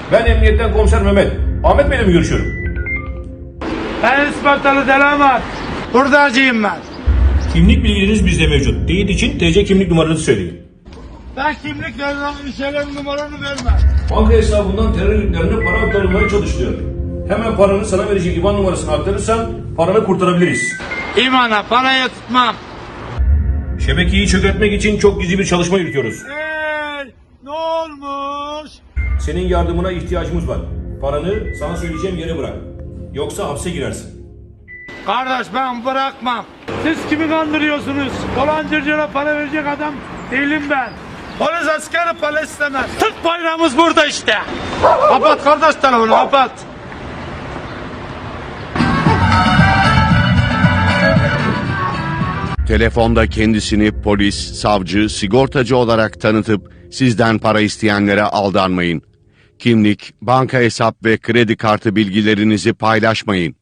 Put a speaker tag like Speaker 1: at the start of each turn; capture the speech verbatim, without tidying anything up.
Speaker 1: Ben emniyetten komiser Mehmet. Ahmet Bey'le mi görüşüyorum?
Speaker 2: Ben Ispartalı Delamat. Hurdacıyım ben.
Speaker 1: Kimlik bilgileriniz bizde mevcut. Teyit için T C kimlik numaranızı söyleyin.
Speaker 2: Ben kimlik vermem, şeylerin numaranı vermem.
Speaker 1: Banka hesabından terör örgütlerine para aktarılmaya çalışılıyor. Hemen paranı sana verecek IBAN numarasını aktarırsan paranı kurtarabiliriz.
Speaker 2: İmana parayı tutmam.
Speaker 1: Şebekeyi çökertmek için çok gizli bir çalışma yürütüyoruz.
Speaker 2: Hey, ne olmuş?
Speaker 1: Senin yardımına ihtiyacımız var. Paranı sana söyleyeceğim yere bırak. Yoksa hapse girersin.
Speaker 2: Kardeş ben bırakmam. Siz kimi kandırıyorsunuz? Dolancıcına para verecek adam değilim ben. Polis askeri para istemez. Türk bayrağımız burada işte. Kapat kardeş telefonu kapat.
Speaker 3: Telefonda kendisini polis, savcı, sigortacı olarak tanıtıp sizden para isteyenlere aldanmayın. Kimlik, banka hesap ve kredi kartı bilgilerinizi paylaşmayın.